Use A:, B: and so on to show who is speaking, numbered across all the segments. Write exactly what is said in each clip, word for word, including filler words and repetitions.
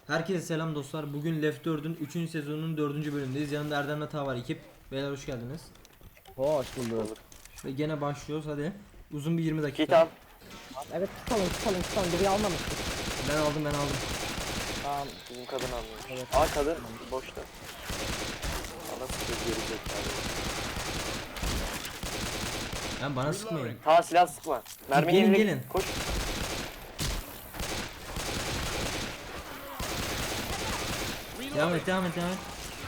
A: Herkese selam dostlar. Bugün Left dördün üçüncü sezonunun dördüncü bölümündeyiz. Yanımda Erdem ve Taha var ekip. Beyler hoş geldiniz.
B: Hoş bulduk.
A: Ve gene başlıyoruz hadi. Uzun bir yirmi
C: Git
A: dakika.
C: al.
B: Evet tutalım tutalım tutalım. Biri almamıştık.
A: Ben aldım ben aldım.
C: Tamam bizim kadın anlıyor.
B: Evet.
C: Aa kadın boşta. Ana sıkıyor geri zekalı.
A: Yani bana sıkmayın.
C: Ta silah sıkma. Mermi
A: Gelin,
C: yenilik.
A: gelin.
C: Koş.
A: Devam et devam et devam et.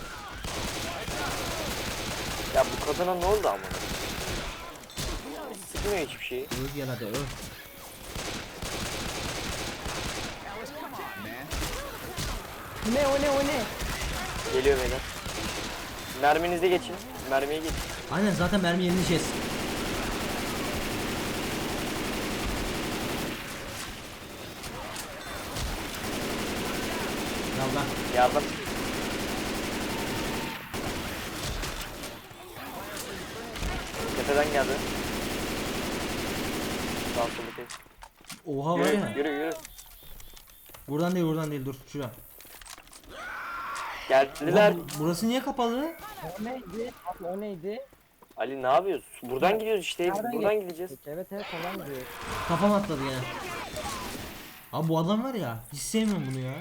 C: Ya bu kadına ne oldu ama? Sıkmıyor hiçbir şeyi.
A: Öl gel hadi öl.
B: Ne o ne o ne?
C: Geliyor beyler. Merminize geçin. Mermiye geçin.
A: Aynen zaten mermi yenileceğiz. Yallah.
C: Yardım. Tepeden geldi. Sağ sola kayıp.
A: Oha var
C: Yürü,
A: ya.
C: yürü yürü.
A: Buradan değil buradan değil dur şura.
C: Geldiler.
A: Oha, bu- burası niye kapalı?
B: O neydi? Abi o neydi?
C: Ali ne yapıyorsun? Buradan gidiyoruz işte.
B: Nereden
C: Buradan
B: geç-
C: gideceğiz.
B: Peki, evet evet tamam diyor.
A: Kafam atladı yine. Abi bu adam var ya hiç sevmiyorum bunu ya.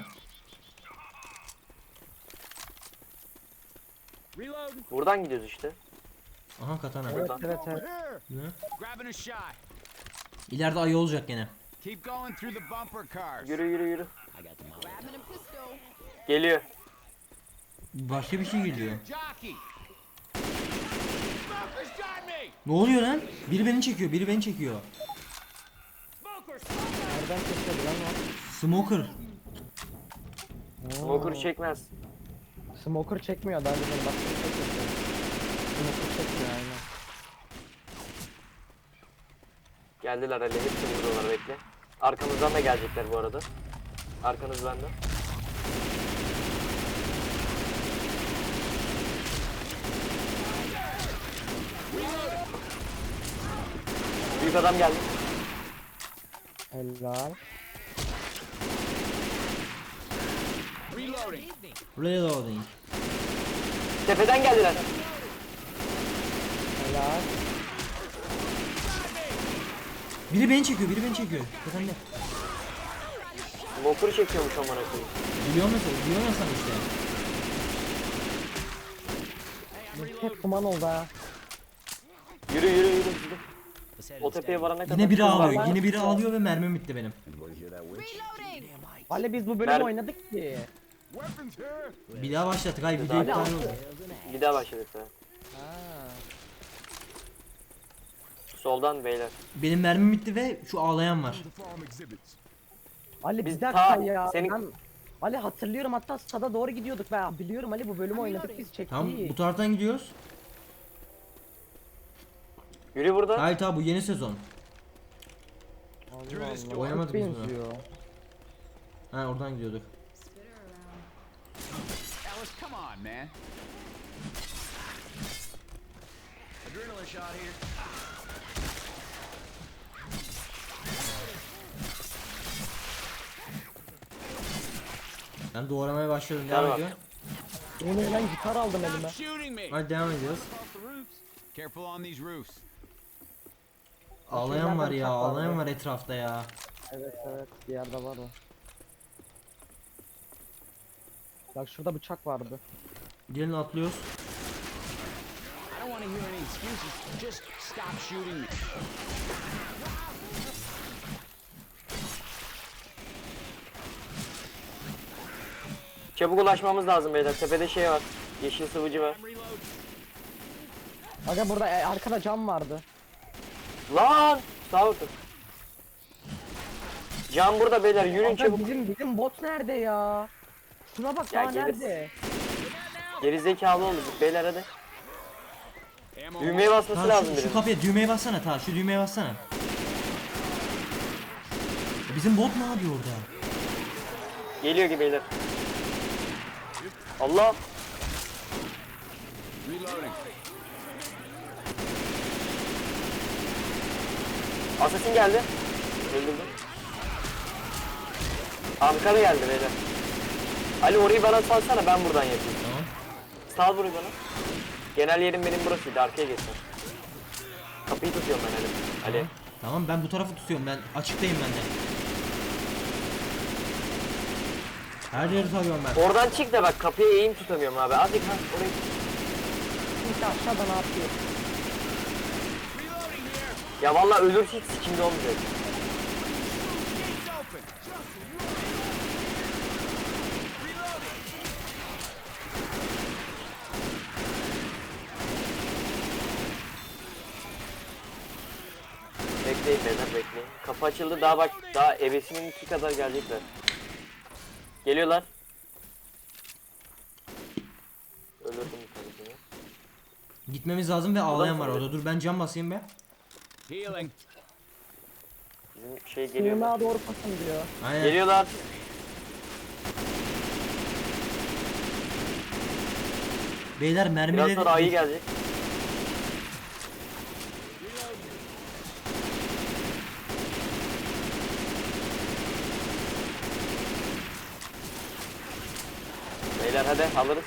C: Buradan gidiyoruz işte.
A: Aha katana.
B: Evet evet evet.
A: Ne?
D: Grabbing a shot.
A: İleride ayı olacak gene.
D: Keep going through the bumper cars.
C: Yürü yürü yürü.
E: Grabbing a pistol.
C: Geliyor.
A: Başka bir şey geliyor.
D: Jockey. Smoker's got me.
A: Ne oluyor lan? Biri beni çekiyor, biri beni çekiyor.
D: Smoker.
B: Nereden kesiyordu lan
A: Smoker.
B: o?
C: Smoker çekmez.
B: Smoker çekmiyor daha önce bak. Smoker çekmiyor aynen.
C: Geldiler Ali. Hepsini vuruyorlar bekle. Arkamızdan da gelecekler bu arada. Arkanız bende. Büyük adam geldi.
B: Helal.
D: Reloading.
A: Reloading.
C: Tepeden geldiler.
B: Helal.
A: Biri beni çekiyor, biri beni çekiyor. Efendim.
C: Smoker çekiyormuş amına koyayım.
A: Biliyor musun? Biliyor musun sen işte?
B: Hep duman oldu ha.
C: Yürü yürü yürü. yürü. O tepeye varana kadar.
A: Yine biri
C: hız var.
A: ağlıyor, yine biri ağlıyor ve mermim bitti benim.
E: Reloading.
B: Ali biz bu bölümü
C: Mer-
B: oynadık ki.
D: Weapons here.
A: Bir daha başlattık, hayır video iptal oldu.
C: Bir daha başladık ha.
B: Ha.
C: Soldan beyler.
A: Benim mermim bitti ve şu ağlayan var.
D: The farm exhibits.
B: Ali
C: Biz
B: bir dakika
C: ta-
B: ya.
C: senin-
B: Ben... Ali hatırlıyorum hatta stada doğru gidiyorduk ben biliyorum Ali bu bölümü oynadık biz çektik.
A: Tamam bu taraftan gidiyoruz.
C: Yürü burada.
A: Hayır tabi bu yeni sezon.
B: Allah
D: Through this
B: Allah.
D: door.
A: Oynamadık
B: Çok
A: biz bunu.
B: benziyor.
A: Ha oradan gidiyorduk.
D: Alice, come on, man. Adrenaline shot here.
A: Ben doğramaya başladım.
C: Gel
A: Devam
C: bak.
A: ediyor.
B: Onu ben gitar aldım elime.
D: Stop shooting me.
A: Hadi devam ediyoruz.
D: Off the roofs. Careful on these roofs.
A: Ağlayan var ya,
B: bıçak var
A: ağlayan
B: ya.
A: var etrafta ya.
B: Evet evet bir yerde var o. Bak şurada bıçak vardı.
A: Gelin atlıyoruz.
D: I don't want to hear any excuses. Just stop shooting me.
C: Çabuk ulaşmamız lazım beyler. Tepede şey var. Yeşil sıvıcı var.
D: I'm reloading.
B: Aga burada e, arkada cam vardı.
C: Lan! Sağ olun. Can burada beyler. Yürüyün
B: Aga
C: çabuk.
B: bizim bizim bot nerede ya? Şuna bak
C: Ya
B: ya,
C: gelir.
B: nerede?
C: Gerizekalı olduk beyler hadi.
D: Ammo.
C: Düğmeye basması
A: Ta
C: lazım
A: şu, şu
C: birinin.
A: kapıya düğmeye bassana ta şu düğmeye bassana. E bizim bot ne yapıyor orada?
C: Geliyor ki beyler. Allah!
D: Reloading.
C: Assassin geldi. Öldürdüm. Ankara geldi beyler. Ali orayı bana salsana, ben buradan yapayım.
A: Tamam.
C: Sal burayı bana. Genel yerim benim burasıydı, arkaya geçsin. Kapıyı tutuyorum ben Ali. Ali.
A: Tamam ben bu tarafı tutuyorum, ben açıktayım ben de. Her yeri tarıyorum ben.
C: Oradan çık da bak, kapıya eğim tutamıyorum abi. Azıcık ha orayı.
B: Kimse aşağıda ne yapıyor?
C: Ya vallahi ölürse hiç sikimde olmayacak. Bekleyin beyler, bekleyin. Kapı açıldı, daha bak, daha ebesinin iki kadar gelecekler. Geliyorlar. Öldürdüm bir tanesini.
A: Gitmemiz lazım ve ağlayan var orada. Dur ben cam basayım be.
D: Healing.
C: Bizim şey geliyor.
B: Sığınağa doğru pasın diyor.
A: Aynen.
C: Geliyorlar.
A: Beyler
C: Biraz
A: mermileri...
C: sonra ayı gelecek. Beyler hadi alırız.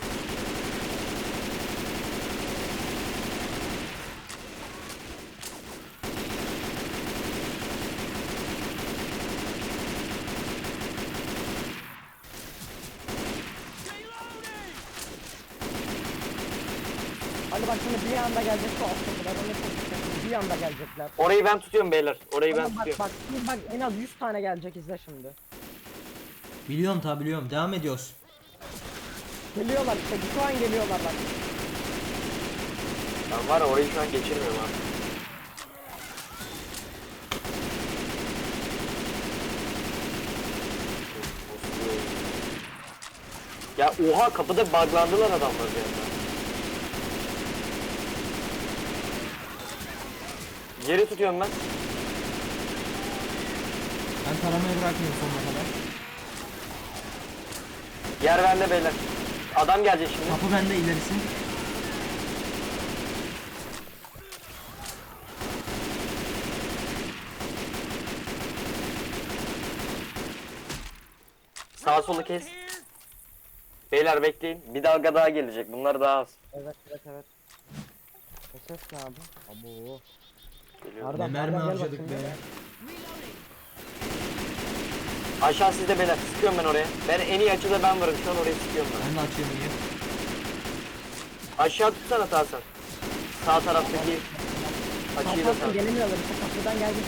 B: Hadi bak şimdi bir anda gelecek şu alttakiler. Onu çok bir anda gelecekler.
C: Orayı ben tutuyorum beyler. Orayı ben
B: Tamam, bak
C: tutuyorum.
B: bak şimdi bak en az yüz tane gelecek, izle şimdi.
A: Biliyorum tabi biliyorum. Devam ediyoruz.
B: Geliyorlar işte, şu an geliyorlar bak.
C: Ben var ya, orayı şu an geçirmiyorum abi. Ya oha, kapıda buglandılar adamlar bir anda. Geri tutuyorum ben.
A: Ben taramayı bırakmıyorum sonuna kadar.
C: Yer bende beyler. Adam gelecek şimdi.
A: Kapı bende, ilerisi.
C: Sağ solu kes. Beyler bekleyin. Bir dalga daha gelecek. Bunlar daha az.
B: Evet evet evet. O ses ne abi? Abo.
C: Geliyor.
A: Ne
B: Erdem,
A: mermi
B: Erdem, gel
A: harcadık
B: bakayım
A: be.
B: ya.
C: Aşağı sizde beyler. Sıkıyorum ben oraya. Ben en iyi açıda ben varım. Şu an orayı sıkıyorum ben.
A: Ben de açıyorum iyi.
C: Aşağı tutsana Tarsan. Sağ taraftaki açıyı da
B: Kalkarsın
C: sar.
B: gelemiyorlar işte, kapıdan geldi.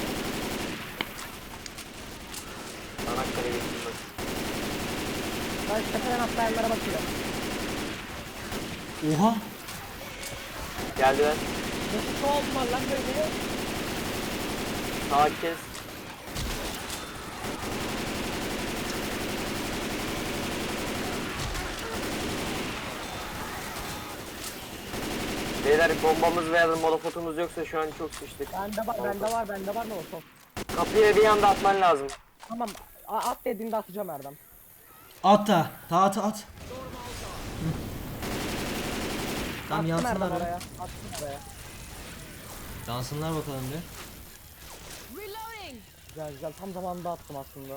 C: Anakkare'ye gittim ben.
B: Ben tepeden atlayanlara bakıyorum.
A: Oha.
C: Geldiler.
B: Nasıl şu oldular lan böyle?
C: Sağ kes. Beyler bombamız veya molototumuz yoksa şu an çok sıçtık.
B: Bende var, bende var, bende var ne olsun.
C: Kapıya bir anda atman lazım.
B: Tamam, a- at dediğinde atacağım Erdem.
A: At da. Ta at at. Hı. Tamam
B: Attım
A: yansınlar
B: Erdem
A: be.
B: oraya, attım oraya.
A: Yansınlar bakalım bir.
E: Reloading.
B: Güzel güzel, tam zamanında attım aslında.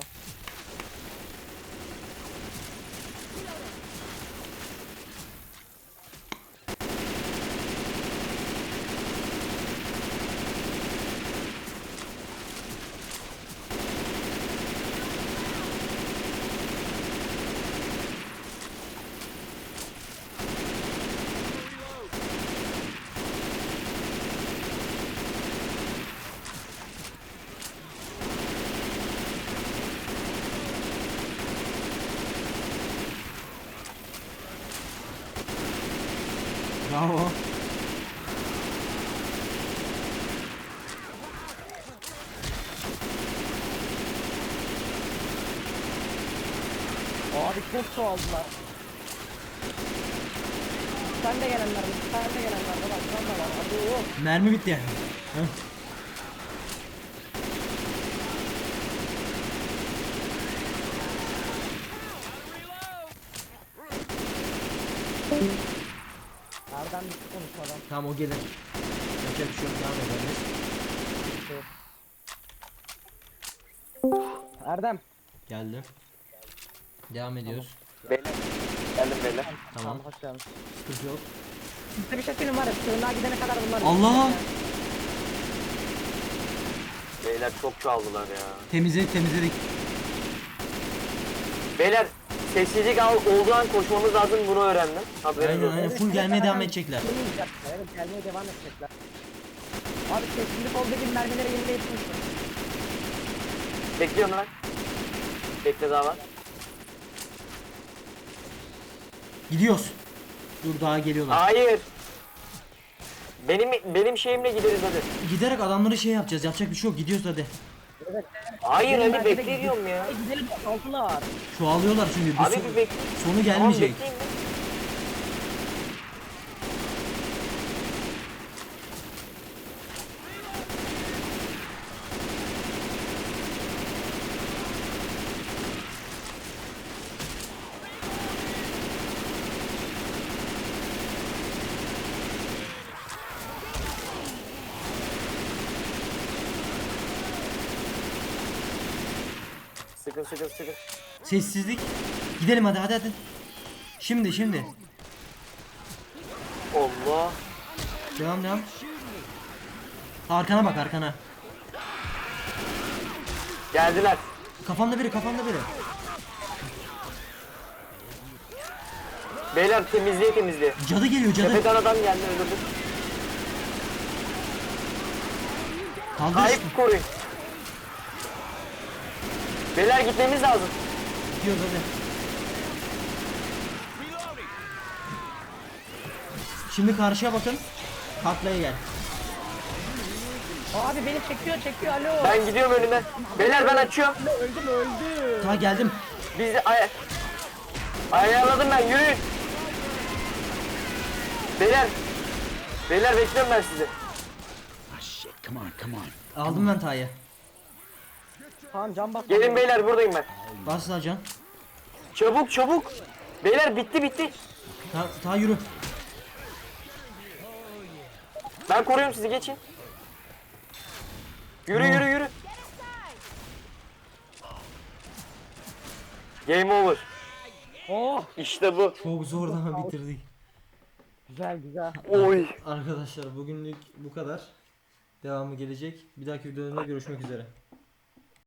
A: Bravo.
B: Abi çok çoğaldılar. Sen de gelenler mi? Sen de gelenler mi? Bak sen de var. Hadi o.
A: Mermi bitti yani. Heh.
B: Erdem bitti konuşmadan.
A: Tamam o gelir. Yapacak bir şey yok, devam ederiz.
B: Erdem.
A: Geldi. Devam ediyoruz.
C: Beyler. Geldim beyler.
A: Tamam.
B: Hoş geldin.
A: Sıkıntı yok.
B: Size bir şey söyleyeyim var ya. Sığınağa gidene kadar bunlar.
A: Allah!
C: Beyler çok çoğaldılar ya.
A: Temizledik temizledik.
C: Beyler sessizlik al olduğu an koşmamız lazım, bunu öğrendim. Haberiniz
A: Aynen
C: olsun.
A: aynen full gelmeye devam edecekler.
B: Evet gelmeye devam edecekler. Abi sessizlik olduğu gibi mermileri yerine yetmişsin.
C: Bekliyorum lan. Bekle daha var.
A: Gidiyoruz. Dur daha geliyorlar.
C: Hayır. Benim benim şeyimle gideriz hadi.
A: Giderek adamları şey yapacağız. Yapacak bir şey yok. Gidiyoruz hadi.
C: Hayır
B: Benim
C: hadi
B: mermide
C: bekle diyorum ya.
B: Ay, gidelim altılar.
A: Çoğalıyorlar çünkü. Bu
C: Abi
A: son-
C: bir bekle.
A: sonu
C: Tamam
A: gelmeyecek.
C: bekleyin. Sıkın sıkın sıkın.
A: Sessizlik. Gidelim hadi hadi hadi. Şimdi şimdi.
C: Allah.
A: Devam devam. Arkana bak arkana.
C: Geldiler.
A: Kafamda biri kafamda biri.
C: Beyler temizliğe temizliğe.
A: Cadı geliyor cadı.
C: Tepeden adam geldi öldürdü.
A: Kaldır
C: Sahip
A: işte.
C: koruyun. Beyler gitmemiz lazım.
A: Gidiyoruz hadi. Şimdi karşıya bakın. Taklaya gel.
B: Abi beni çekiyor çekiyor alo.
C: Ben gidiyorum önüme. Beyler ben açıyorum.
B: Öldüm öldüm.
A: Ta geldim.
C: Bizi ay ayarladım ben, yürüyün. Beyler. Beyler bekliyorum ben sizi.
D: Ah, shit. Come on, come on.
A: Aldım ben Ta'yı.
B: Tamam can bas.
C: Gelin beyler, buradayım ben.
A: Bas la can.
C: Çabuk çabuk. Beyler bitti bitti.
A: Ta, ta yürü.
C: Ben koruyorum sizi, geçin. Yürü yürü yürü. Game over.
B: Oh
C: İşte bu.
A: Çok zor ama bitirdik.
B: güzel güzel.
C: Oy.
A: Arkadaşlar bugünlük bu kadar. Devamı gelecek. Bir dahaki videoda görüşmek üzere.